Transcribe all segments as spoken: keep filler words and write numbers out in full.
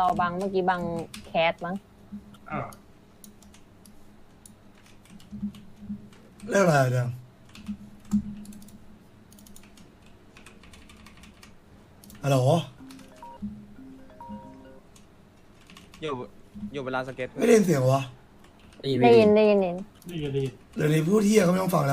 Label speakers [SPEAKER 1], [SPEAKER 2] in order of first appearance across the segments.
[SPEAKER 1] บังเมื่อกี้บังแคสมั้ง
[SPEAKER 2] อ่า
[SPEAKER 3] เรื่องอะไรเนี่ยฮัลโหล
[SPEAKER 4] อยู่อยู่เวลาสเก็ต
[SPEAKER 3] ไม่ได้ยินเสียงวะ
[SPEAKER 1] ได้ยินได้ยินได้ยิน
[SPEAKER 2] ดีดี
[SPEAKER 3] เดี๋ยวนี้พูดเที่ยก็ไม่ต้องฟังแล้ว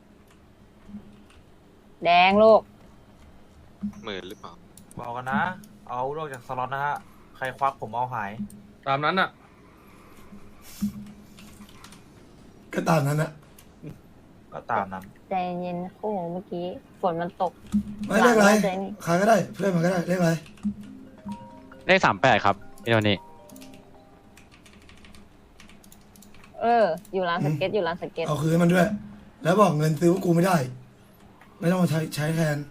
[SPEAKER 1] แดงลูก
[SPEAKER 5] หมื่นหรือเปล่า
[SPEAKER 6] บอกกันนะ เอาโลกจากสล็อตนะฮะ ใครควักผมเอาหาย
[SPEAKER 4] ตามนั้นอ่ะ
[SPEAKER 3] ก็ตามนั้นนะ
[SPEAKER 6] ก็ตามนั้น
[SPEAKER 1] ใจเย็นโอ้โหเมื่อกี้ฝนมันตก
[SPEAKER 3] ไม่เรียกอะไร
[SPEAKER 1] หลังใจนี่
[SPEAKER 3] ใครก็ได้เพื่อนมันก็ได้เรียกอะไร
[SPEAKER 5] เลขสามแปดครับพี่โทนี่
[SPEAKER 1] เออ อยู่ร้านสเก็ตอยู่ร้านสเก็ต
[SPEAKER 3] เอาคืนให้มันด้วย แล้วบอกเงินซื้อว่ากูไม่ได้ ไม่ต้องมาใช้ใช้แทน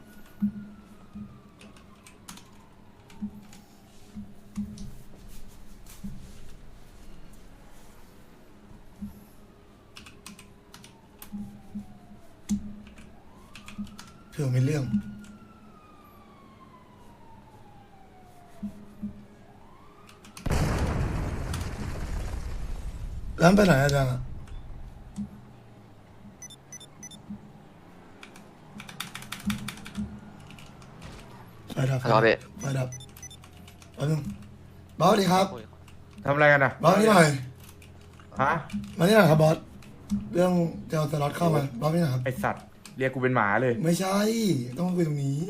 [SPEAKER 3] เผื่อมีเรื่องแล้วมันไปไหนอาจารย์อะไฟดับไฟดับไฟดับแป๊บนึงบอสดีครับ
[SPEAKER 7] ทำอะไรกันอ่ะ
[SPEAKER 3] บอสนี่หน่อย
[SPEAKER 7] ฮะ
[SPEAKER 3] มานี่หน่อยครับบอส เรื่องจะเอาสล็อตเข้ามาบอสนี่หน่อยครับ
[SPEAKER 7] ไอสัตว์ เรียกกูเป็นหมาเลย
[SPEAKER 3] ไม่ใช่ ต้องมาคุยตรงนี้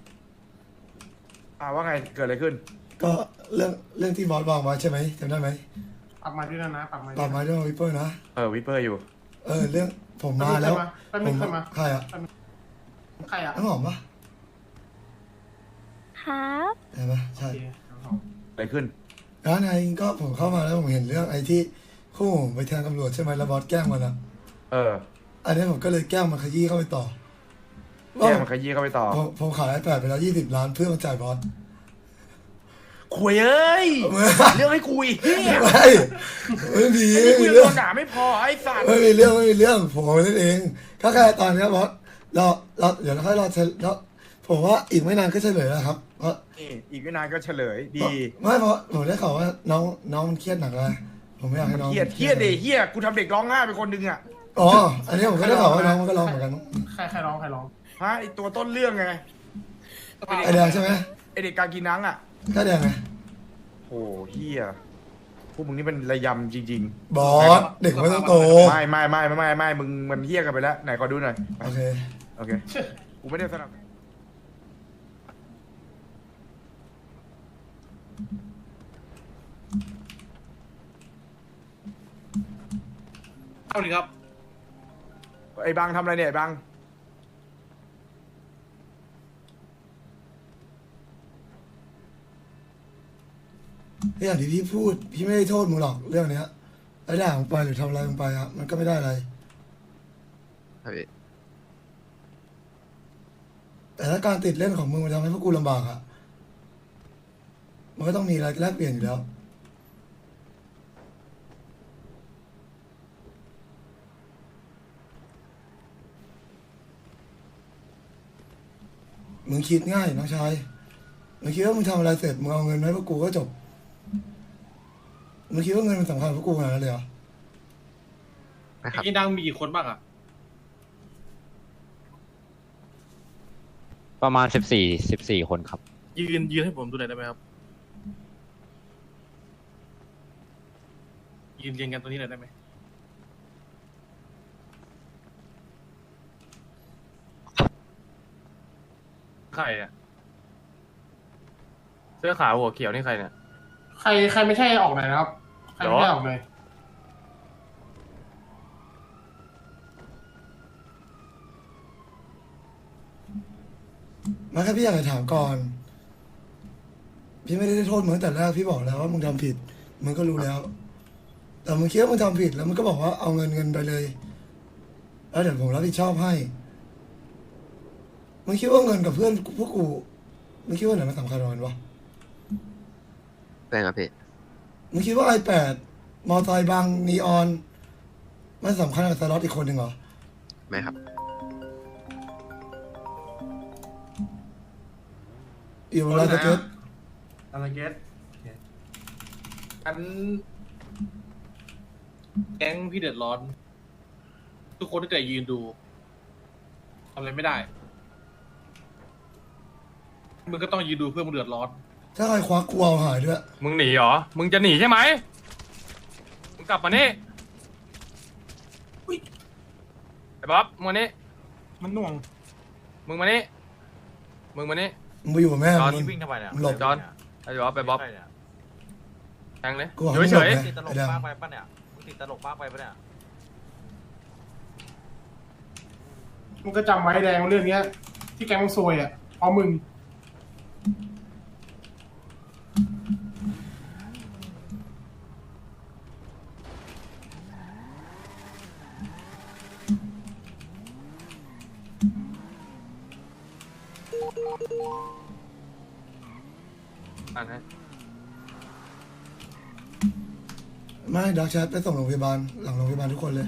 [SPEAKER 7] อ่าว่าไง เกิดอะไรขึ้น
[SPEAKER 3] ก็เรื่องเรื่องที่บอสวางไว้ใช่ไหมจำได้ไหม
[SPEAKER 2] ปักมาด้วยนะนะปักมา
[SPEAKER 3] ปรับมาด้วยวิปเปอร์นะ
[SPEAKER 7] เออ วิปเปอร์อยู่
[SPEAKER 3] เออ เรื่องผมมาแล้ว
[SPEAKER 2] แป๊บ
[SPEAKER 3] ผ
[SPEAKER 2] นึง
[SPEAKER 3] ม
[SPEAKER 2] ขึ้นมา
[SPEAKER 3] ใครอ่ะ
[SPEAKER 2] ใครอ่ะ
[SPEAKER 3] น้ำหอมปะ
[SPEAKER 1] ครับ
[SPEAKER 3] ใช่ปะใช่
[SPEAKER 7] อะไรขึ้น
[SPEAKER 3] ร้านไอ้ก็ผมเข้ามาแล้วผมเห็นเรื่องไอ้ที่คู่ผมไปแทงตำรวจใช่ไหมแล้วบอสแกล้งมันอ่ะ
[SPEAKER 7] เออ
[SPEAKER 3] อันนี้ผมก็เลยแกล้งมันขยี้เข้าไปต่อ
[SPEAKER 7] แย่มันขยี้เข้าไปต่อ
[SPEAKER 3] ผมผมขายไอแปดไปแล้วยี่สิบล้านเพื่อมาจ่ายบอส
[SPEAKER 7] คุยเอ้ย เรื่องให้คุยเฮีย
[SPEAKER 3] ไม่ไม่มี
[SPEAKER 7] ไอ้
[SPEAKER 3] ไม่
[SPEAKER 7] นี่คุ
[SPEAKER 3] มี
[SPEAKER 7] ย
[SPEAKER 3] เรื่
[SPEAKER 7] เรื่
[SPEAKER 3] อ
[SPEAKER 7] อง งด่าไม่พอไอ้สัตว์
[SPEAKER 3] ไม่มีเรื่องไม่มีเรื่องผมเอาไปเล่นเองก็แค่ตอนเนี้ยบอสเราเราเดี๋ยวเราค่อยรอเฉลแล้วผมว่าอีกไม่นานก็เฉลยแล้วครับเพราะ
[SPEAKER 7] นี่อีกไม่นานก็เฉลย ดี
[SPEAKER 3] ไม่เพราะผมได้ข่าวว่าน้องน้องมันเครียดหนักเลยผมไม่อยากให้น้อง
[SPEAKER 7] เฮียเฮียเดเฮียกูทำเด็กร้องไห้ไปคนหนึงอ่ะ
[SPEAKER 3] อ๋ออันนี้ผมก็ได้ข่าวว่าน้องมันก็ร้องเหมือนกัน
[SPEAKER 2] ใครใครร้องใครร้อง
[SPEAKER 7] ฮะไอตัวต้นเรื่องไง
[SPEAKER 3] ไอแดงใช่ไหม
[SPEAKER 7] ไอเด็กกากินังอ่ะ
[SPEAKER 3] ก็แดงไง
[SPEAKER 7] โอ้เฮียพวกมึงนี่เป็นระยำจริง
[SPEAKER 3] บอสเด็กไม่ต้องโต
[SPEAKER 7] ๆ ไม่ไม่ไม่ไม่ไม่ไม่มึงมันเฮียกันไปแล้ว ไหนขอดูหน่อย
[SPEAKER 3] โอเค
[SPEAKER 7] โอเค กูไม่ได้สนับ
[SPEAKER 2] เอาดิครับ
[SPEAKER 7] ไอ้บังทำอะไรเนี่ยไอ้บัง
[SPEAKER 3] อย่างที่พี่พูดพี่ไม่ได้โทษมึงหรอกเรื่องเนี้ยไอ้ด่ามึงไปหรือทำอะไรมึงไปอะมันก็ไม่ได้อะไร
[SPEAKER 5] ครับพี่
[SPEAKER 3] แต่ถ้าการติดเล่นของมึงมันทำให้พวกกูลำบากอะมันก็ต้องมีอะไรแลกเปลี่ยนอยู่แล้ว มึงคิดง่ายน้องชาย มึงคิดว่ามึงทำอะไรเสร็จมึงเอาเงินมาให้พวกกูก็จบ มึงคิดว่าเงินมันสำคัญกับพวกกูขนาดนั้นเลยเหรอ
[SPEAKER 5] นะครับ
[SPEAKER 2] กินดังมีกี่คนบ้างอ่ะ
[SPEAKER 5] ประมาณสิบสี่สิบสี่คนครับ
[SPEAKER 2] ยืนยืนให้ผมดูหน่อยได้ไหมครับ ยืนเรียงกันตรงนี้หน่อยได้ไหมใครอ่ะเสื้อขาวหัวเขียวนี่ใครเนี่ย
[SPEAKER 8] ใครใครไม่ใช่ออกหน่อยนะครับ ใครไม่ใช่ออกเลย
[SPEAKER 3] มาแค่พี่อยากจะถามก่อน พี่ไม่ได้โทษมึงตั้งแต่แรกพี่บอกแล้วว่ามึงทำผิด มึงก็รู้แล้ว แต่มึงคิดว่ามึงทำผิดแล้วมึงก็บอกว่าเอาเงินเงินไปเลย แล้วเดี๋ยวผมรับผิดชอบให้ มึงคิดว่าเงินกับเพื่อนพวกกู มึงคิดว่าไหนมันสำคัญกว่ากันวะ
[SPEAKER 5] เป็นครับพี่
[SPEAKER 3] มึงคิดว่าไอแปดมอไซค์บางนีออน มันสำคัญกับสล็อตอีกคนหนึ่งเหรอ
[SPEAKER 5] ไม่ครับ
[SPEAKER 3] อยู่เวลาสเก็ต
[SPEAKER 8] อะไรเกต
[SPEAKER 2] อันแก๊งพี่เดือดร้อน ทุกคนที่แต่ยืนดูทำอะไรไม่ได้มึงก็ต้องยืนดูเพื่อมึงเดือดร้อน
[SPEAKER 3] ถ้าใครควักกูเอาหายด้วย
[SPEAKER 4] มึงหนีเหรอ มึงจะหนีใช่ไหมมึงกลับมานี่ไอ้บ๊อบมึงมานี่
[SPEAKER 6] มันหน่วง
[SPEAKER 4] มึงมานี่มึงมานี่
[SPEAKER 3] มึงไปอยู่กับแม่
[SPEAKER 4] ตอน
[SPEAKER 3] มึ
[SPEAKER 6] นี่
[SPEAKER 3] ง
[SPEAKER 6] วิ่งทำไมเนี่ย
[SPEAKER 3] หลบ
[SPEAKER 4] จอนไอ้บ๊อบไปบ๊อบ
[SPEAKER 6] ใครเนี่ย
[SPEAKER 4] แทงเลย
[SPEAKER 3] กูบอก
[SPEAKER 4] อยู่
[SPEAKER 3] ให้
[SPEAKER 4] เฉ
[SPEAKER 3] หลบ
[SPEAKER 4] ย
[SPEAKER 3] ไง
[SPEAKER 6] ติดตลก
[SPEAKER 3] ไอ้แดง
[SPEAKER 6] มากไปปะเนี่ยมึงติดตลกมากไปปะเนี่ย
[SPEAKER 8] มึงก็จำไว้แดงเรื่องเนี้ย ที่แกงมึงซวยอ่ะเพราะมึง
[SPEAKER 4] อ่านให้
[SPEAKER 3] ไม่ดักแชทไปส่งโรงพยาบาลหลังโรงพยาบาลทุกคนเลย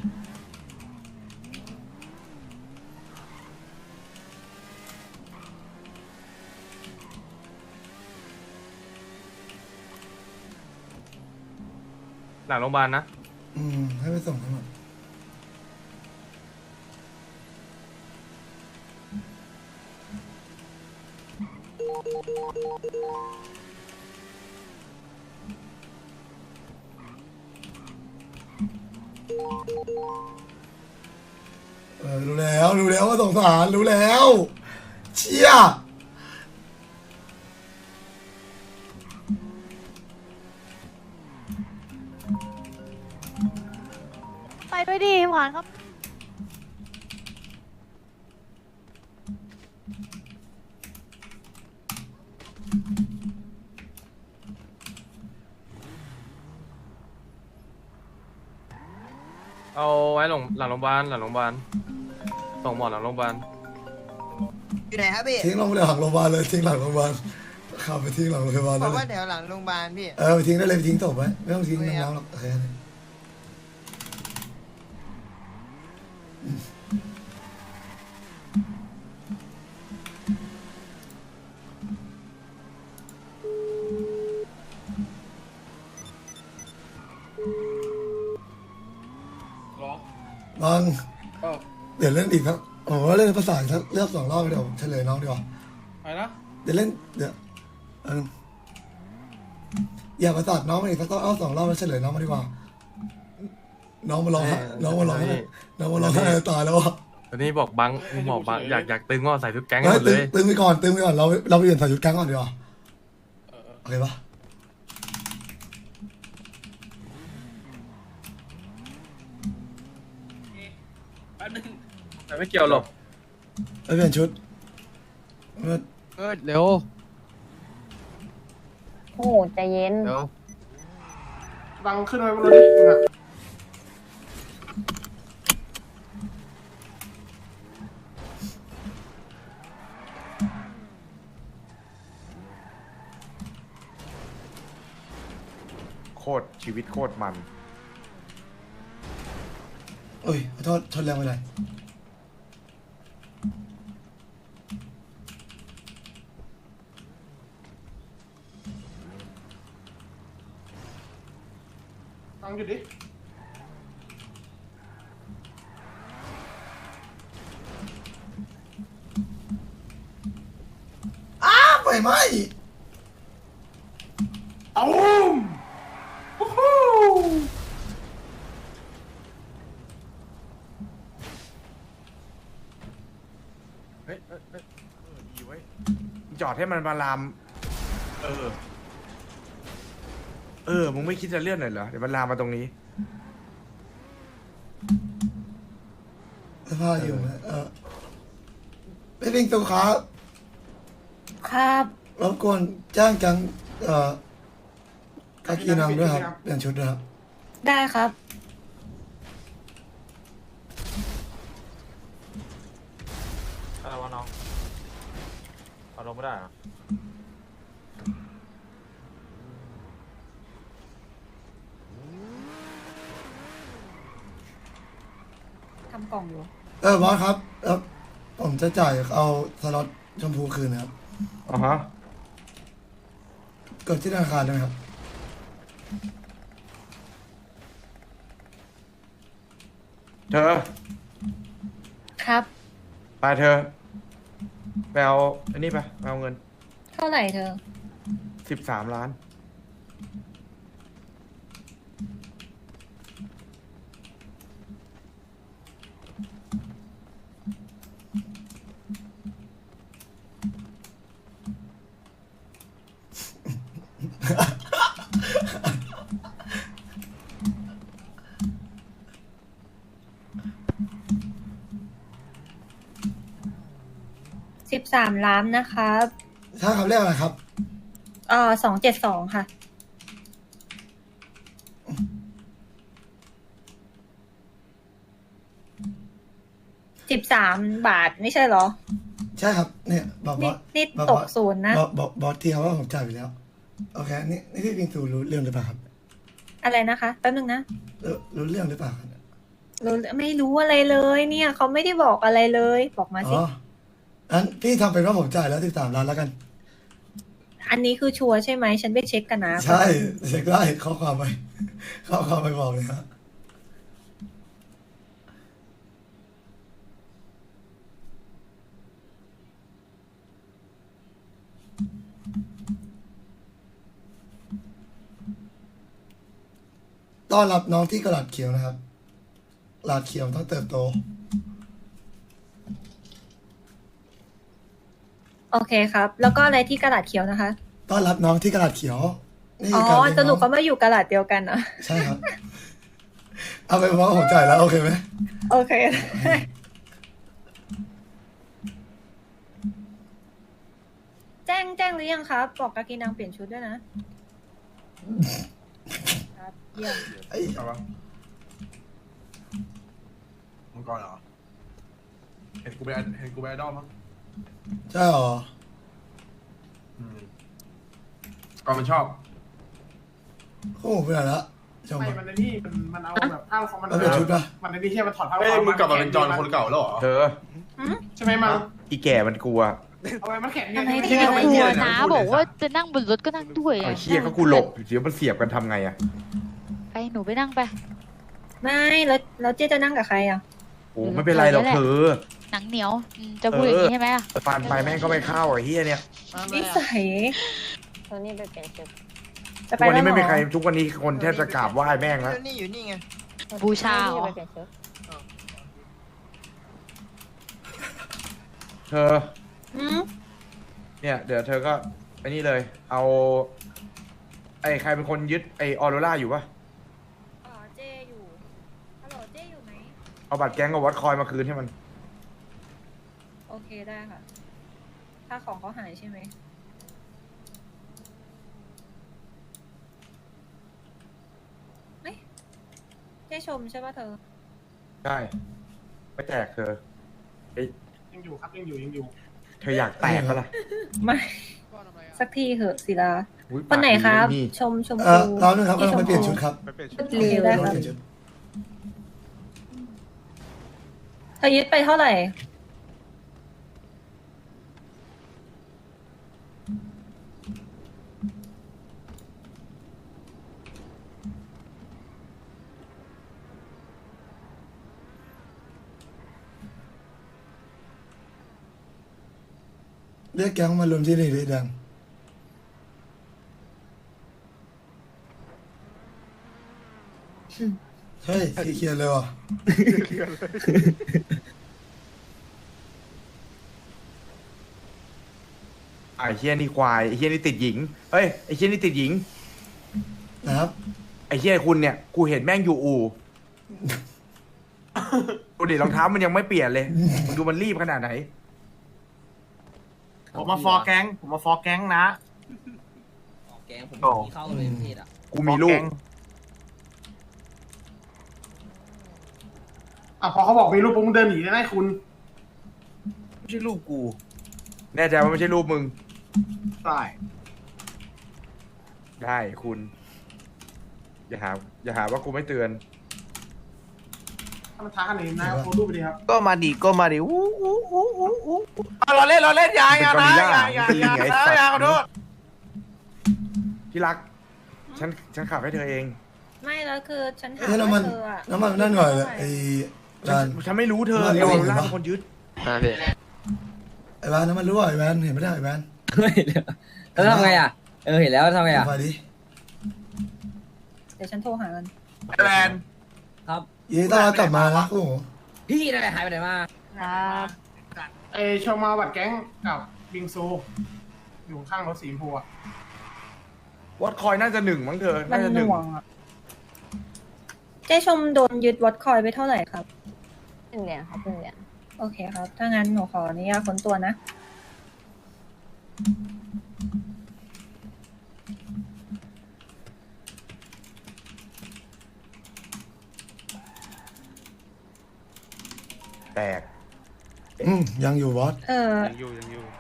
[SPEAKER 4] หลังโรงพยาบาลนะ
[SPEAKER 3] อืมให้ไปส่งทั้งหมดเออรู้แล้วรู้แล้วว่าสงสารรู้แล้ว เชี่ย
[SPEAKER 9] ไปด้วยดิหวานครับ
[SPEAKER 4] เอาไว้หลังหลังโรงพยาบาลหลังโรงพยาบาลส่งหมอหลังโรงพยาบาล
[SPEAKER 10] อยู่ไหนครับพี่
[SPEAKER 3] ทิ้งลงไปเลยหลังโรงพยาบาลเลยทิ้งหลังโรงพยาบาลขับไปทิ้งหลังโรงพยาบาล
[SPEAKER 10] บ
[SPEAKER 3] ได้
[SPEAKER 10] อก
[SPEAKER 3] เล
[SPEAKER 10] ว่าย เดี๋ยวหลังโรงพยาบาลพี่
[SPEAKER 3] เออไปทิ้งได้เลยไปทิ้งศพไว้ไม่ต้องทิ้งน้ำๆหรอกโอเคบางเดี๋ยวเล่นอีกครับผมว่าเล่นภาษาอีกสักเลือกสองรอบเดี๋ยวเฉลยน้องดีกว่า
[SPEAKER 2] อะไรนะ
[SPEAKER 3] เดี๋ยวเล่นเดี๋ยวเอออย่าประสาทน้องมาอีกสักเอาสองรอบแล้วเฉลยน้องมาดีกว่า น้องมาร้องไห้น้องมาร้องไห้น้องมาร้องไห้ตายแล้วอ่ะ
[SPEAKER 4] ตอนนี้บอกบังบอกบังอยากอยากตึงก็ใส่ชุดแก๊งให้
[SPEAKER 3] เฮ้
[SPEAKER 4] ห
[SPEAKER 3] ย
[SPEAKER 4] มดเล
[SPEAKER 3] ตึง
[SPEAKER 4] ย
[SPEAKER 3] ตึงไปก่อนตึงไปก่อนเราเราไปเปลี่ยนใส่ชุดแก๊งก่อนดีกว่าโอเคปะ
[SPEAKER 2] แป๊บนึง
[SPEAKER 4] แต่ไม่เกี่ยวหรอก
[SPEAKER 3] ไปเปลี่ยนชุดเมื่อ
[SPEAKER 5] เออเร็ว
[SPEAKER 1] โอ้โหใจเย็น
[SPEAKER 5] เร็ว
[SPEAKER 8] บังขึ้นไปบนรถดิมึงอะ
[SPEAKER 7] โคตรชีวิตโคตรมัน
[SPEAKER 3] โอ้ยขอโทษชนแรงไปเลย
[SPEAKER 8] บังหยุดดิ
[SPEAKER 3] อ้าวไฟไหม้
[SPEAKER 8] ตูมโอ้โห
[SPEAKER 7] เฮ้ยเฮ้ยเฮ้ยเออดีเว้ยจอดให้มันมาลาม เออ เออ มึงไม่คิดจะเลื่อนหน่อยเหรอ เดี๋ยวมันลามมาตรงนี้
[SPEAKER 3] เสื้อผ้าอยู่ไหมเออไปวิ่งตัวขา
[SPEAKER 9] ครับ
[SPEAKER 3] รบกวนจ้างจังเอ่อกากีนังด้วยครับเปลี่ยนชุดด้วยครับ
[SPEAKER 9] ได้ครับ
[SPEAKER 6] อะไรวะน้องเอาลงไม่ได้เหรอ
[SPEAKER 9] ทำกล่องอยู่
[SPEAKER 3] เออบอสครับเออผมจะจ่ายเอาสล็อตชมพูคืนนะครับ
[SPEAKER 7] อ่าฮะ
[SPEAKER 3] กดที่ธนาคารได้ไหมครับ
[SPEAKER 7] เธอ
[SPEAKER 9] ครับ
[SPEAKER 7] ไปเธอไปเอาอันนี้ไปไปเอาเงิน
[SPEAKER 9] เท่าไหร่เธอ
[SPEAKER 7] สิบสามล้าน
[SPEAKER 9] สิบสามล้านนะครับ
[SPEAKER 3] ถ้าคำเรียกอะไรครับ
[SPEAKER 9] เอ่อสองเจ็ดสองค่ะ สิบสามบาทไม่ใช่เหรอ
[SPEAKER 3] ใช่ครับ เนี่ยบอกบ
[SPEAKER 9] นี่
[SPEAKER 3] อส
[SPEAKER 9] นี่
[SPEAKER 3] บอก
[SPEAKER 9] ต
[SPEAKER 3] บอก ส
[SPEAKER 9] ศูนย์นะ
[SPEAKER 3] บอกบอกบอสที่เขาว่าผมจ่ายไปแล้ว โอเค นี่นี่พี่ปิงตูรู้เรื่องหรือเปล่าครับ
[SPEAKER 9] อะไรนะคะ แป๊บนึงนะ
[SPEAKER 3] รู้รู้เรื่องหรือเปล่าครับ
[SPEAKER 9] รู้ไม่รู้อะไรเลยเนี่ยเขาไม่ได้บอกอะไรเลย บอกมาสิ
[SPEAKER 3] อ๋องั้นพี่ทำเป็นว่าผมจ่ายแล้วสิบสามล้านแล้วกัน
[SPEAKER 9] อันนี้คือชัวร์ใช่ไหม ฉันไปเช็คกันนะ
[SPEAKER 3] ใช่เช็คได้ข้อความไปข้อความไปบอกเลยฮะต้อนรับน้องที่กระดาษเขียวนะครับกระดาษเขียวต้องเติบโต
[SPEAKER 9] โอเคครับ แล้วก็อะไรที่กระดาษเขียวนะคะ
[SPEAKER 3] ต้อนรับน้องที่กระดาษเขียวนี่
[SPEAKER 9] อ๋อ
[SPEAKER 3] การเลี้ยง
[SPEAKER 9] สรุป
[SPEAKER 3] น้
[SPEAKER 9] เขา
[SPEAKER 3] อง
[SPEAKER 9] มาอยู่กระดาษเดียวกันเหรอ
[SPEAKER 3] ใช่ครับ เอาไปนว่าผมจ่ายแล้วโอเคไหม
[SPEAKER 9] โอเค แจ้งแจ้งหรือยังครับ บอกกากีนังเปลี่ยนชุดด้วยนะ ครับเยี่ยม
[SPEAKER 3] ไอ้
[SPEAKER 7] เอาวะมังกรเหรอ เห็นกูไปเห็นกูไปไอดอลมั้ง
[SPEAKER 3] ใช่หรอ
[SPEAKER 7] อืมก่อนมันชอบ
[SPEAKER 3] โอ้โหไปไหนละชม
[SPEAKER 8] ไม่
[SPEAKER 3] ปะ
[SPEAKER 8] มันในนี่มันมันเอาแบบผ้าของมัน
[SPEAKER 3] มันเป็นชุดปะ
[SPEAKER 8] มันในนี่แค่มันถอดผ้า
[SPEAKER 11] เอ้ยมึงกลับมาเป็นจอนคนเก่าแล้วเหรอ
[SPEAKER 7] เธอ
[SPEAKER 8] ใช่ไหมมัน
[SPEAKER 7] อีแก่มันกลัว
[SPEAKER 8] เอาไว้มันแข็ง
[SPEAKER 9] ทำไม
[SPEAKER 8] ไม่
[SPEAKER 9] เธ
[SPEAKER 8] ใช่
[SPEAKER 9] อ
[SPEAKER 8] ไม่
[SPEAKER 9] กลั
[SPEAKER 8] ใช่
[SPEAKER 9] ว
[SPEAKER 8] นะ
[SPEAKER 9] นะบอกว่าจะนั่งบนรถก็นั่งด้วย
[SPEAKER 7] ไอ้เชี่ยก็กูหลบเดี๋ยวมันเสียบกันทำไงอะ
[SPEAKER 9] ไปหนูไปนั่งไป ไม่แล้วแล้วเจ๊จะนั่งกับใครอ่ะ
[SPEAKER 7] โอ้ไม่เป็นไรหรอกเธอ
[SPEAKER 9] หนังเหนียวจะพูดอย่างนี้ใช่ไหมอ่ะ
[SPEAKER 7] ปานไปแม่งก็ไม่เข้าไอ้เฮียเนี่ย
[SPEAKER 9] นิสัย
[SPEAKER 1] โทนี่ไปเปลี่ยนชุด
[SPEAKER 9] จะ
[SPEAKER 7] ทุ
[SPEAKER 9] ไป
[SPEAKER 7] กวัน
[SPEAKER 9] แล้ว
[SPEAKER 7] นี้
[SPEAKER 9] เหร
[SPEAKER 7] ไม่มีใคร
[SPEAKER 9] อ
[SPEAKER 7] ทุกวันนี้คนแทบจะกราบไหว้แม่งแล้ว
[SPEAKER 10] นี่อยู่นี่ไง
[SPEAKER 9] บูชา
[SPEAKER 1] โท
[SPEAKER 9] เหร
[SPEAKER 1] นี่
[SPEAKER 9] อ
[SPEAKER 1] ไปเปลี่ยนชุด
[SPEAKER 7] เธอ
[SPEAKER 9] อืม
[SPEAKER 7] เนี่ย เดี๋ยวเธอก็ไอ้นี่เลย เอา ไอ้ใครเป็นคนยึดไอ้ออโรล่าอยู่ปะ
[SPEAKER 9] อ๋อเจ๊อยู่ฮัลโหลเจ๊อยู่ไหม
[SPEAKER 7] เอาบัตรแก๊งกับวัดคอยมาคืนให้มัน
[SPEAKER 9] โอเคได้ค่ะ ถ้าของเขาหายใช่ไหมเอ๊ะเจ๊ชมใช่ป่ะเธอ
[SPEAKER 7] ใช่ ไม่แตกเธอเอ้ย
[SPEAKER 8] ยังอยู่ครับยังอยู่ยังอยู่
[SPEAKER 7] เธออยากแตกปะล่ะ
[SPEAKER 9] ไม่ สักทีเหอะศิลา
[SPEAKER 7] อุ๊ย
[SPEAKER 9] คนไหนครับ
[SPEAKER 7] ปากดี
[SPEAKER 9] ชมชม
[SPEAKER 3] เอ
[SPEAKER 9] พู
[SPEAKER 3] อน้องนึงครับกำลังไปเปลี่ยนชุดครับ
[SPEAKER 11] ไปเปลี่ยนชุ
[SPEAKER 9] ชุ
[SPEAKER 11] ด
[SPEAKER 9] ดลีได้ครับ
[SPEAKER 3] เปลี่ยนชุด
[SPEAKER 9] เธอยึดไปเท่าไหร่
[SPEAKER 3] เรียกแก๊งมารวมที่นี่เลยดังเฮ้ยสีเขียวเลยว่ะ
[SPEAKER 7] ไอ้เฮียนี่ควายไอ้เฮียนี่ติดหญิงเฮ้ยไอ้เฮียนี่ติดหญิง
[SPEAKER 3] นะครับ
[SPEAKER 7] ไอ้เฮียคุณเนี่ยกูเห็นแม่งอยู่อู่ดูดิรองเท้ามันยังไม่เปลี่ยนเลยมึงดูมันรีบขนาดไหน
[SPEAKER 8] ผมมาฟอร์แก๊งผมมาฟอร์แก๊งนะ
[SPEAKER 10] แกงผม
[SPEAKER 7] โอ้
[SPEAKER 10] เข้าเลยประเทศอ่ะ
[SPEAKER 7] กูมีลูก
[SPEAKER 8] อ่ะพอเขาบอกมีรูปปุ๊บมึงเดินหนีได้ไหมคุณ
[SPEAKER 7] ไม่ใช่ลูกกู แน่ใจว่าไม่ใช่ลูกมึง
[SPEAKER 8] ได้
[SPEAKER 7] ได้คุณ อย่าหา อย่าหาว่ากูไม่เตือน
[SPEAKER 8] ถ้ามันท้ากันหนีนะโพสต์รูปไปดีครับ
[SPEAKER 10] ก็มาดิก็มาดิอู้อู้อู้อู้อู้
[SPEAKER 7] เราเล่นเราเล่นยายานะยายายานะยาขอโทษที่รัก ฉัน ฉันขับให้เธอเอง
[SPEAKER 9] ไม่แล้วคือฉันถาม
[SPEAKER 3] เฮ้ยแล้วมั
[SPEAKER 9] ว่าน เธออะ
[SPEAKER 3] แล้วมันนั่นหน่อยเลยไอ้แวน
[SPEAKER 7] ฉันไม่รู้เธอ
[SPEAKER 3] มัน
[SPEAKER 7] เอ
[SPEAKER 3] รู้
[SPEAKER 7] ว
[SPEAKER 3] เห็น
[SPEAKER 7] ล่า
[SPEAKER 3] ปะ
[SPEAKER 7] เป็นคนยึด
[SPEAKER 5] อ่าพี่
[SPEAKER 3] ไอ้แวนนั้นมันรู้อ่ะไอ้แวนเห็นไม่ได้ไอ้แวน
[SPEAKER 10] แล้วทำไงอ่ะ เออเห็นแล้วทำไงอ่ะ
[SPEAKER 3] ไฟดิ
[SPEAKER 9] เดี๋ยวฉันโทรหากัน
[SPEAKER 7] แลน
[SPEAKER 10] ครับ
[SPEAKER 3] ยีต้ากลับมานะโอ้โห
[SPEAKER 10] พี่นั่นแหละหายไปไหนมา
[SPEAKER 1] ครับ
[SPEAKER 8] ไอชมมาบัดแก๊งกับบิงซู อยู่ข้างรถสีชมพูอะ
[SPEAKER 7] วัดคอยน่าจะหนึ่งมั้งเธอ
[SPEAKER 9] มั
[SPEAKER 7] น่าน จะ
[SPEAKER 9] ห
[SPEAKER 7] หนึ่ง
[SPEAKER 9] น่วงอ่ะ เจ๊ชมโดนยึดวัดคอยไปเท่าไหร่ครับ
[SPEAKER 1] หนึ่งเหรียญครับหนึ่งเหรียญ
[SPEAKER 9] โอเคครับ ถ้างั้นหนูขออนุญาตค้นตัวนะ
[SPEAKER 7] แตก
[SPEAKER 3] อืมยังอยู่บอส
[SPEAKER 9] เออ
[SPEAKER 6] อยู่ยังอยู่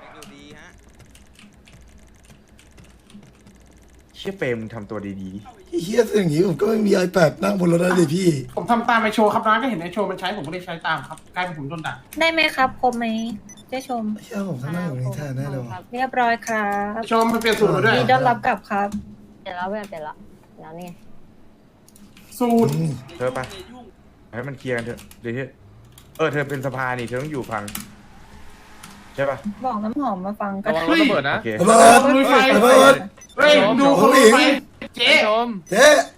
[SPEAKER 7] เชี่ยเปรมทำตัวดี
[SPEAKER 3] เฮียสิ่างนี้ผมก็ไม่มีไอแปดนั่งบนรถได้เลยพี่
[SPEAKER 8] ผมทำตามไอโชว์ครับนะก็เห็นไอโชว์มันใช้ผมก็เลยใช้ตามครับกลายเป็นผมโดนด่า
[SPEAKER 9] ได้ไหมครับครบไหมเจ๊ชม
[SPEAKER 3] เฮียผมต้องนั่งอยู่นี้แทนแน่เลยว่ะ
[SPEAKER 9] เรียบร้อยครับ
[SPEAKER 8] ไอโชว์มันเปลี่ยนสูตรมาด้วย
[SPEAKER 9] มีต้อนรับกลับครับ
[SPEAKER 1] เดี๋ยวเราเปลี่ยนเปลี่ยนละเดี๋ยวนี่ไง
[SPEAKER 8] สูตร
[SPEAKER 3] อืม
[SPEAKER 7] ๆ เธอไปให้มันเคลียร์กันเถอะเดี๋ยวเธอเออเธอเป็นสภานี่เธอต้องอยู่ฟังใช่ป่ะ
[SPEAKER 9] บอกน้ำหอมมาฟังกั
[SPEAKER 4] ระ
[SPEAKER 9] น
[SPEAKER 4] วังรถระเบิดนะ
[SPEAKER 7] โอเค
[SPEAKER 3] ระเบิด
[SPEAKER 8] ลุยไฟ
[SPEAKER 3] ระเบิด
[SPEAKER 8] เฮ้ยดูคนลุยไฟเจ๊
[SPEAKER 4] ไอ้ชม
[SPEAKER 3] เจ๊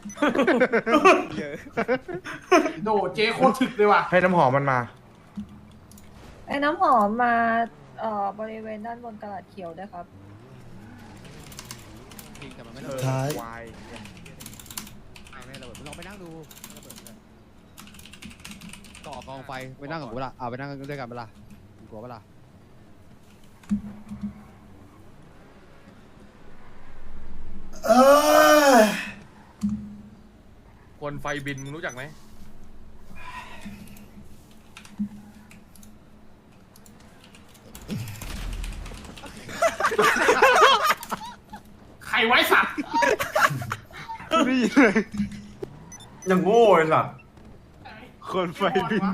[SPEAKER 8] โดเจ๊โคตรถึกเลยว่ะ
[SPEAKER 7] ให้น้ำหอมมันมา
[SPEAKER 9] ไอ้น้ำหอมมาเอ่อบริเวณด้านบนตลาดเขียวด้วยครับ
[SPEAKER 3] สุดท้าย
[SPEAKER 7] วาย
[SPEAKER 10] ลองไปนั่งดูต่อกองไฟไปนั่งกับกูละเอาไปนั่งด้วยกันเวลากูกลัวเวลา
[SPEAKER 3] เอ้ย
[SPEAKER 4] ควนไฟบินมึงรู้จักไหม
[SPEAKER 8] ใครไว้สัตว์
[SPEAKER 11] ยังโง่เลยสัตว์
[SPEAKER 6] คนไฟบิน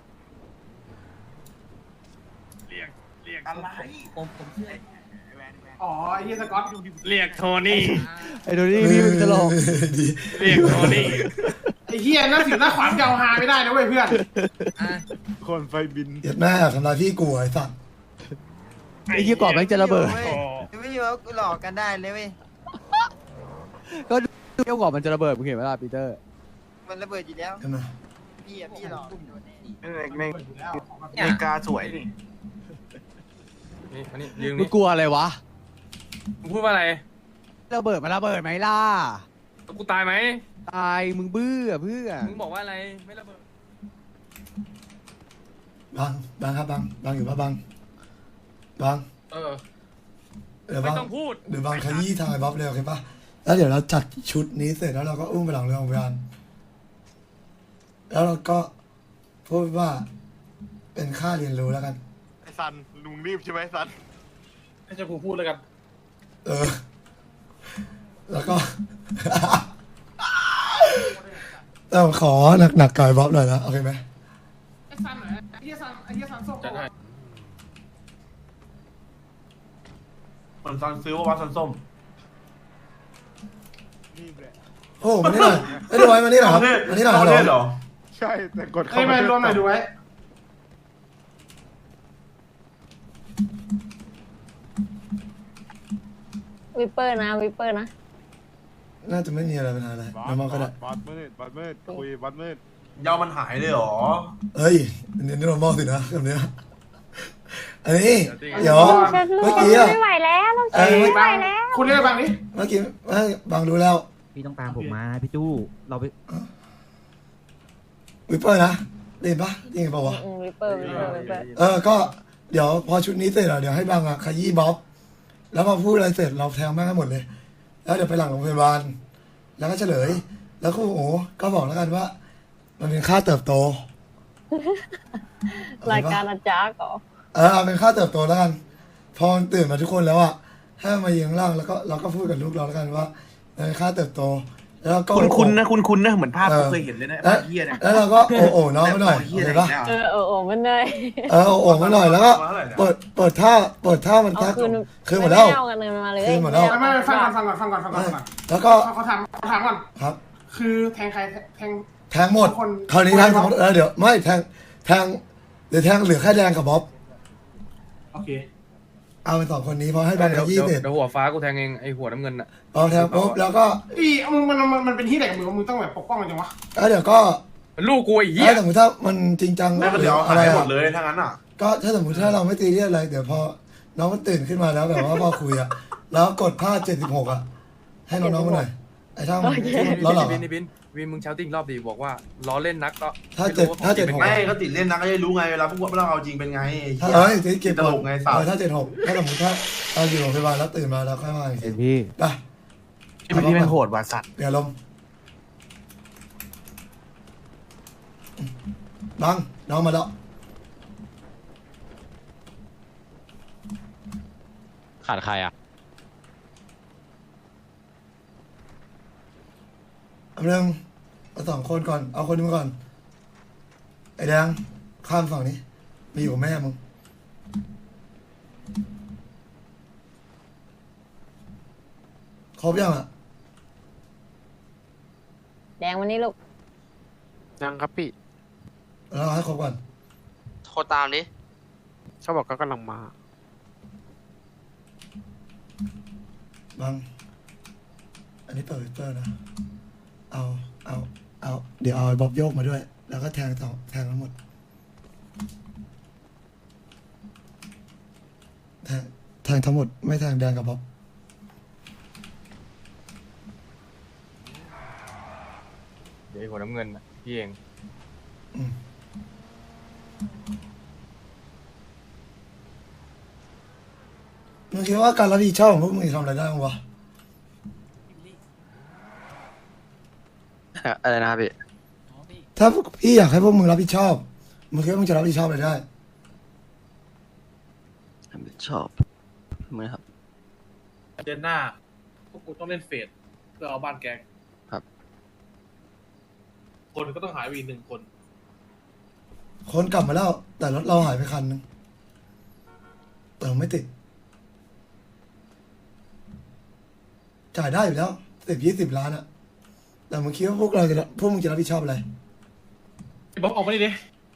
[SPEAKER 8] อะไร
[SPEAKER 10] ผมผมเชื่อ
[SPEAKER 8] อ๋อไอ้เฮียสกอต
[SPEAKER 4] เรียกโทนี่
[SPEAKER 10] ไอ้โดนี่พี่มึงตลก
[SPEAKER 3] ดี
[SPEAKER 4] เรียกโทนี่
[SPEAKER 8] ไอ้เฮียนั่นถึงหน้าขวานเกาหาไม่ได้นะเว้ยเพื่อน
[SPEAKER 6] คนไฟบิน
[SPEAKER 3] เดี๋ยวแม่ทำลายพี่กูไอ้สัตว์
[SPEAKER 10] ไอ้ยี่กรอบแม่งจะระเบิดไม่อยู่กูหลอกกันได้เลยเว้ยก็เที่ยวกรอบมันจะระเบิดมึงเห็นไหมล่ะปีเตอร์ มันระเบิดอยู่แล้ว
[SPEAKER 3] เห็นไหม
[SPEAKER 10] พี่อะพี่หลอก
[SPEAKER 7] ในในกาสวยนี่
[SPEAKER 4] นี่มานี่ยืน
[SPEAKER 10] มึ
[SPEAKER 4] นี่
[SPEAKER 10] งกลัวอะไรวะ
[SPEAKER 4] มึงพูดว่าอะไร
[SPEAKER 10] ระเบิดมันระเบิดไหมล่ะ
[SPEAKER 4] กูตายไหม
[SPEAKER 10] ตายมึงเบื่อเพื่อ
[SPEAKER 4] มึงบอกว่าอะไรไม่ระเบิด
[SPEAKER 3] บังบังครับบังบังอยู่ปะบังบัง
[SPEAKER 4] เออ
[SPEAKER 3] เดี๋ยว
[SPEAKER 4] ไม่
[SPEAKER 3] บัง
[SPEAKER 4] ต้องพูด
[SPEAKER 3] เดี๋ยวบังขยี้ทางไอ้บ๊อบเลยโอเคปะแล้วเดี๋ยวเราจัดชุดนี้เสร็จแล้วเราก็อุ้มไปหลังเรือของพยานแล้วเราก็พูดว่า เป็นค่าเรียนรู้แล้วกัน
[SPEAKER 6] ไอ้ซันลุงรีบใช่ไหมซัน
[SPEAKER 2] ให้เจ้าครูพูดแล้วกัน
[SPEAKER 3] เออ แล้วก็ แต่ขอหนักๆกับไอ้บ๊อบหน่อยนะโอเคไหม
[SPEAKER 8] ไอ้ซันเหรอไอ้เฮียซันไอ้เฮียซันโซ่
[SPEAKER 2] จัดให้
[SPEAKER 11] เหมือนซันซื้อว่าวัดซันส้ม
[SPEAKER 3] โอ้มานี่หน่อยไอ้ดูไว้มานี่หน่อยครับมานี่หน่อย
[SPEAKER 11] เอา
[SPEAKER 3] ฮัลโหล
[SPEAKER 11] เล่นเหรอ
[SPEAKER 6] ใช่แต่กด
[SPEAKER 8] ไอ้ยมารวมหน่อยดูไว้
[SPEAKER 1] วิปเปอร์นะวิปเปอร์นะ
[SPEAKER 3] น่าจะไม่มีอะไรปัญหาอะไรน้ำมันก็ได้
[SPEAKER 6] บอสมืดบอสมืดคุยบอสมืด
[SPEAKER 11] ยาวมันหายเลยเหรอ
[SPEAKER 3] เฮ้ยอันนี้นอร์มอลสินะคำเนี้ยอันนี้เดี๋ยว
[SPEAKER 1] ฉัน
[SPEAKER 3] เมื่อกี้อะ
[SPEAKER 1] ไม่ไหวแล้วเรา
[SPEAKER 3] เอ้ย
[SPEAKER 1] ไม่ไหวแล้ว
[SPEAKER 8] คุณเรียกบางนี้
[SPEAKER 3] เมื่อกี้เอ้ยบางรู้แล้ว
[SPEAKER 10] พี่ต้องตามผมมาพี่จู้เราไป
[SPEAKER 3] วิปเปอร์นะได้ยินปะได้ยินปะวะ
[SPEAKER 1] อืมวิปเปอร์วิปเปอร์วิปเปอร์
[SPEAKER 3] เออก็เดี๋ยวพอชุดนี้เสร็จอะเดี๋ยวให้บางอะขยี้บ๊อบแล้วพอพูดอะไรเสร็จเราแทงแม่งให้หมดเลย แล้วเดี๋ยวไปหลังโรงพยาบาลแล้วก็เฉลย แล้วครูโอ๋ก็บอกแล้วกันว่า มันเป็นค่าเติบโต
[SPEAKER 1] รายการอาจารย์ก่อ
[SPEAKER 3] เออเอาเป็นค่าเติบโตแล้วกัน พอมันตื่นมาทุกคนแล้วอะให้มันมายืนข้างล่างแล้วก็เราก็พูดกับลูกเราแล้วกันว่ามันเป็นค่าเติบโต แล้วเราก็
[SPEAKER 7] คุณคุณนะคุณคุณนะเหมือนภาพ
[SPEAKER 3] เออ
[SPEAKER 7] ผมเคยเห็นเลยนะ
[SPEAKER 3] แล้ว
[SPEAKER 7] ภาพเฮียเนี่ย
[SPEAKER 3] แล้วเราก็โอ้โอ้น้องมาหน่อยโอเคปะ
[SPEAKER 1] เออเออโอ้มันเลย
[SPEAKER 3] เออโอ้โอ้มาหน่อยแล้วก็เปิดเปิดท่าเปิดท่ามัน
[SPEAKER 1] เอา
[SPEAKER 3] ท่า
[SPEAKER 1] คืน
[SPEAKER 3] คืนหมดแล้ว
[SPEAKER 1] ไเอากันเลยมาเลย
[SPEAKER 3] คืนหมดแล้ว
[SPEAKER 8] ไม่ไม่ฟังก่อนฟังก่อนฟังก่อนฟังก่อนฟังก่อน
[SPEAKER 3] แล้วก็
[SPEAKER 8] เขาถามเขาถามก่อน
[SPEAKER 3] ครับ
[SPEAKER 8] คือแทงใครแทง
[SPEAKER 3] แทงหมด
[SPEAKER 8] คน
[SPEAKER 3] คราวนี้แทงสมมติเออเดี๋ยวไม่แทงแทงเดี๋ยวแทงเหลือแค่แดงกับบ๊อบ
[SPEAKER 8] โอเค
[SPEAKER 3] เอาไปสองคนนี้เพราะให้แบงค์
[SPEAKER 4] เดี๋ยว
[SPEAKER 3] ยี่
[SPEAKER 4] เดี๋ยว
[SPEAKER 3] สิบ
[SPEAKER 4] เดี๋ยวหัวฟ้ากูแทงเองไอหัวน้ำเงินอ่ะ
[SPEAKER 3] เอาแทงปุ๊บแล้วก็
[SPEAKER 8] อีมึงมันมันมันเป็นที่ไหนกับมึงมึงต้องแบบปกป้องมันจังวะ
[SPEAKER 3] แล้วเดี๋ยวก็
[SPEAKER 4] ลูกกูไอ้เหี้
[SPEAKER 3] ถ้าย สมมติถ้ามันจริงจัง
[SPEAKER 11] แม่ก็เดี๋ยว
[SPEAKER 3] อะ
[SPEAKER 11] หา
[SPEAKER 3] ไร
[SPEAKER 11] ยหม
[SPEAKER 3] อะ
[SPEAKER 11] ดเลยถ้างั้นอ่ะ
[SPEAKER 3] ก็ถ้าสมมติถ้าเราไม่ตีเรียกอะไรเดี๋ยวพอน้องมันตื่นขึ้นมาแล้วแบบว่าพอคุยอะแล้วกดผ้าเจ็ดสิบหกอะให้น้องๆมาหน่อยไอ้ช่างมันล้อหลัง
[SPEAKER 4] บินบินบินมึงเช้าติ้งรอบดีบอกว่าล้อเล่นนักก็
[SPEAKER 3] ถ้าเจ็ดถ้าเจ็ดหก
[SPEAKER 11] ไม่ก็ติดเล่นนะก็จะรู้ไงเวลาพวกเราเอาจริงเป็นไงไอ้
[SPEAKER 3] ถ้า
[SPEAKER 11] เหี้ย
[SPEAKER 3] เอ้ยตีเก็บ
[SPEAKER 11] ตลกไงสาว
[SPEAKER 3] เออถ้าเจ็ดหกถ้าสมมติถ้าเราอยู่โรงพยาบาลแล้วตื่นมาแล้วค่อยมาอีกที
[SPEAKER 10] เห็นพี่
[SPEAKER 3] ไป
[SPEAKER 7] ที่มันที่มันโหดว่ะสัตว์
[SPEAKER 3] เดี๋ยวลมบังน้องมาแล้ว
[SPEAKER 5] ขาดใครอ่ะ
[SPEAKER 3] เอาเรื่องเอาสองคนก่อนเอาคนนึงก่อนไอ้แดงข้ามฝั่งนี้มาอยู่กับแม่มึงครบยังอ่ะ
[SPEAKER 1] แดงวันนี้ลูก
[SPEAKER 5] ยังครับพี่
[SPEAKER 3] เราให้ครบก่อน
[SPEAKER 5] โทรตามดิเขาบอกก็กำลังมา
[SPEAKER 3] บังอันนี้เปิดเปิดนะเอาเอาเอาเดี๋ยวเอาไอ้บ๊อบโยกมาด้วย แล้วก็แทงต่อแทงทั้งหมดแทงแทงทั้งหมดไม่แทงแดงกับบ๊อบ
[SPEAKER 4] เดี๋ยวไอ้หัวน้ำเงินน่ะพี่เอง
[SPEAKER 3] อืมมึงคิดว่าการรับผิดชอบของพวกมึงจะทำอะไรได้บ้างวะ
[SPEAKER 5] อะไรนะครับพี่
[SPEAKER 3] ถ้าพวกพี่อยากให้พวกมึงรับผิดชอบมึงคิดว่ามึงจะรับผิดชอบอะไรได้
[SPEAKER 5] ชอบมือครับ
[SPEAKER 2] เดือนหน้าพวกกูต้องเล่นเฟสเพื่อเอาบ้านแกง
[SPEAKER 5] ครับ
[SPEAKER 2] คนก็ต้องหายไปอีกหนึ่งคน
[SPEAKER 3] คนกลับมาแล้ว แต่รถเราหายไปคันนึงเติมไม่ติด จ่ายได้อยู่แล้วสิบยี่สิบล้านอะแต่มึงคิดว่าพวกเราจะพวกมึงจะรับผิดชอบอะไร
[SPEAKER 2] ไอ้บ๊อบออกมาดิดิ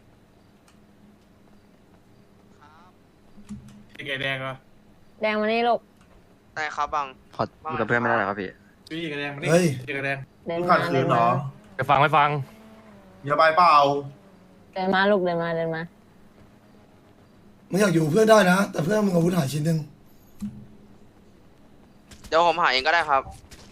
[SPEAKER 2] ไอ้ไก่แดงเหรอ
[SPEAKER 1] แดงวันนี้ลูก
[SPEAKER 5] ได้ครับบังขออยู่กับเพื่อนไม่ได้หรอครับพี่
[SPEAKER 2] พี่ไก่แดงมาดิ
[SPEAKER 3] เฮ้ย
[SPEAKER 2] ไอ้ไก่แดง
[SPEAKER 1] เดิน
[SPEAKER 11] มึง
[SPEAKER 1] มา
[SPEAKER 11] ขัดขื
[SPEAKER 1] เดิ
[SPEAKER 11] น
[SPEAKER 1] น
[SPEAKER 11] เหร
[SPEAKER 1] มา
[SPEAKER 11] อ
[SPEAKER 4] ไปฟังไม่ฟัง
[SPEAKER 11] อย่าไปเปล่า
[SPEAKER 1] เดินมาลูกเดินมาเดินมา
[SPEAKER 3] มึงอยากอยู่เพื่อนได้นะ แต่เพื่อนมึงอาวุธหายชิ้นหนึ่ง
[SPEAKER 5] เดี๋ยวผมหาเองก็ได้ครับ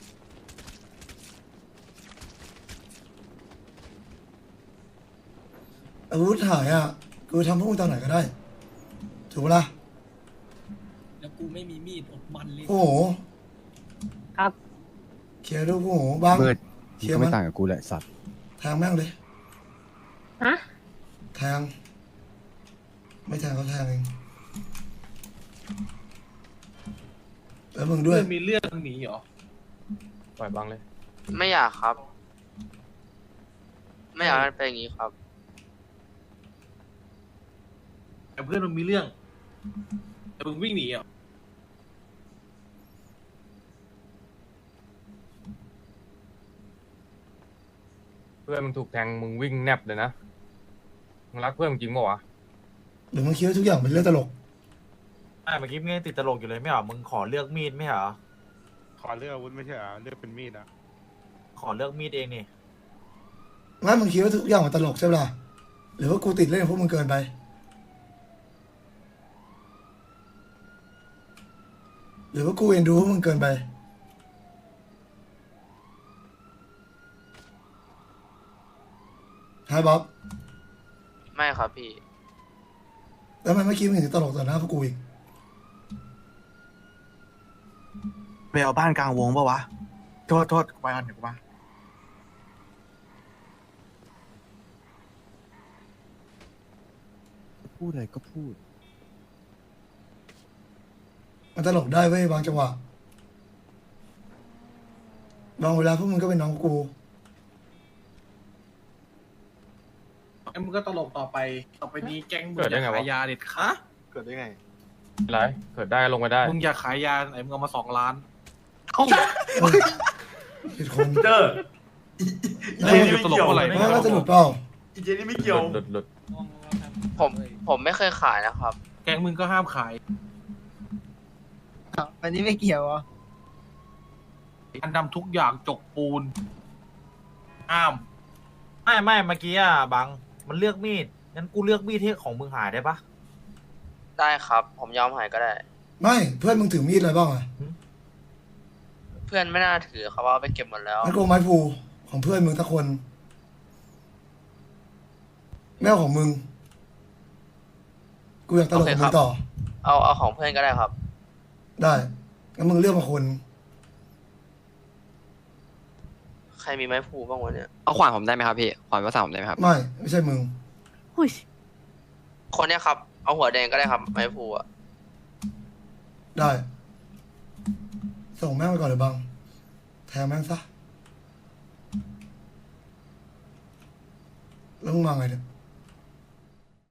[SPEAKER 3] อาวุธหายอ่ะกูทำพวกมึงตอนไหนก็ได้ ถูกปะล่ะ
[SPEAKER 12] แล้วกูไม่มีมีดอดมันเลย
[SPEAKER 3] โอ้โห
[SPEAKER 1] ครับ
[SPEAKER 3] เคลียร์ดูโอ้โหบ้าง
[SPEAKER 10] มืด
[SPEAKER 3] เคลีย
[SPEAKER 10] ก็
[SPEAKER 3] ร์
[SPEAKER 10] ไม่
[SPEAKER 3] มัน
[SPEAKER 10] ต่างกับกูแหละสัตว์
[SPEAKER 3] แทงแม่งเลย
[SPEAKER 1] ฮะ
[SPEAKER 3] แทง ไม่แทงเขาแทงเองแล้วมึงด้วย
[SPEAKER 2] เรื่องมีเรื่องหนีเหรอ
[SPEAKER 4] ปล่อยบังเลย
[SPEAKER 5] ไม่อยากครับ ไม่อยากให้เป็นอย่างนี้ครับ
[SPEAKER 2] แต่เพื่อนมึงมีเรื่อง แต่มึงวิ่งหนีเหรอ
[SPEAKER 4] เพื่อนมึงถูกแทงมึงวิ่งแนบเลยนะมึงรักเพื่อนมึงจริงป่าวะ
[SPEAKER 3] หรือมึงคิดว่าทุกอย่างเป็นเรื่องตลก
[SPEAKER 6] อ่ะเมื่อกี้มึงยังติดตลกอยู่เลยไม่เหรอมึงขอเลือกมีดไม่เหรอ
[SPEAKER 7] ขอเลือกอาวุธไม่ใช่เหรอเลือกเป็นมีดอ่ะ
[SPEAKER 6] ขอเลือกมีดเองนี่
[SPEAKER 3] งั้นมึงคิดว่าทุกอย่างมันตลกใช่ปะล่ะหรือว่ากูติดเล่นกับพวกมึงเกินไป หรือว่ากูเอ็นดูพวกมึงเกินไปฮายบ๊อบ
[SPEAKER 5] ไม่ครับพี่
[SPEAKER 3] แล้วทำไมเมื่อกี้มึงถึงตลกต่อหน้าพวกกูอีก
[SPEAKER 7] ไปเอาบ้านกลางวงปะวะ โทษโทษไปก่อนเดี๋ยวกูมา
[SPEAKER 10] พูดอะไรก็พูด
[SPEAKER 3] มันตลกได้เว้ยบางจังหวะบางเวลาพวกมึงก็เป็นน้องกู
[SPEAKER 2] ไอ้มึงก็ตลกต่อไป ต่อไปนี้แก๊งมึง
[SPEAKER 4] เกิด
[SPEAKER 2] อ
[SPEAKER 4] ได้
[SPEAKER 2] ย่า
[SPEAKER 4] ไงวะ
[SPEAKER 2] ขายยาเด็ดขาด
[SPEAKER 7] เกิดได้ไง
[SPEAKER 4] ไรเกิดได้ลงไปได้
[SPEAKER 2] มึงอยากขายยาไหนมึงเอามาสองล้าน
[SPEAKER 3] ผิดคน
[SPEAKER 11] เจอเจนี่ไม่เกี่ยว
[SPEAKER 2] อะไร
[SPEAKER 3] ไม่น่าจะหลุดเปล่า
[SPEAKER 11] อีเจนี่ไม่เกี่ยว
[SPEAKER 4] หลุดหลุด
[SPEAKER 5] ผมผมไม่เคยขายนะครับ
[SPEAKER 2] แก๊งมึงก็ห้ามขาย
[SPEAKER 10] วันนี้ไม่เกี่ยวอ่ะ
[SPEAKER 2] การทำทุกอย่างจกปูนห้าม
[SPEAKER 6] ไม่ไม่เมื่อกี้อ่ะบังมันเลือกมีดงั้นกูเลือกมีดที่ของมึงหายได้ปะ
[SPEAKER 5] ได้ครับ ผมยอมหายก็ได้
[SPEAKER 3] ไม่เพื่อนมึงถือมีดอะไรบ้างอะ
[SPEAKER 5] เพื่อนไม่น่าถือเขาว่าเอาไปเก็บหมดแล้ว
[SPEAKER 3] งั้นกูเอาไม้พูของเพื่อนมึงสักคนแม่ของมึงกูอยากตลกกับมึงต่อ
[SPEAKER 5] เอาเอาของเพื่อนก็ได้ครับ
[SPEAKER 3] ได้งั้นมึงเลือกมาคน
[SPEAKER 5] ใครมีไม้ผูบ้างวะเนี่ย
[SPEAKER 10] เอาขวานผมได้ไหมครับพี่ขวานภาษาผมได้ไหมครับ
[SPEAKER 3] ไม่ไม่ใช่มึง
[SPEAKER 5] คนเนี้ยครับ เอาหัวแดงก็ได้ครับ ไม้ผูอ่ะ
[SPEAKER 3] ได้ ส่งแม่งไปก่อนเลยบังแทงแม่งซะแล้วมึงมาไงเนี่ย